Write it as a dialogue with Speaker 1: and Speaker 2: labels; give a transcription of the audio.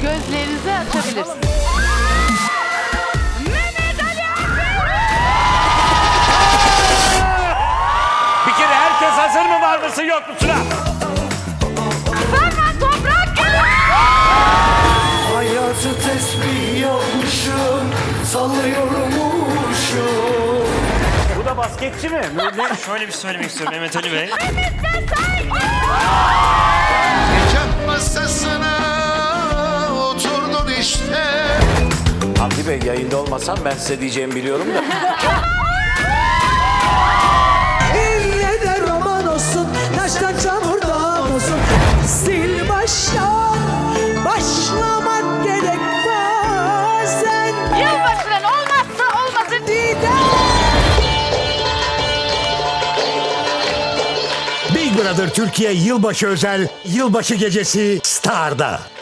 Speaker 1: Gözlerinizi açabilirsiniz.
Speaker 2: Bir kere herkes hazır mı, var mısın yok musun ha?
Speaker 1: Ferman Toprak geliyor.
Speaker 3: Hayatı tesbih yapmışım, sallıyormuşum.
Speaker 2: Bu da basketçi mi?
Speaker 4: Şöyle bir söylemek istiyorum Mehmet Ali Bey.
Speaker 3: Nikah masasına oturdun işte.
Speaker 2: Hamdi Bey, yayında olmasam ben size diyeceğimi biliyorum da.
Speaker 5: İlle de roman olsun, taştan çamurdan olsun. Sil baştan, başlamak gerek bazen.
Speaker 1: Yılbaşının olmazsa olmazı
Speaker 6: Big Brother Türkiye Yılbaşı özel Yılbaşı Gecesi Star'da.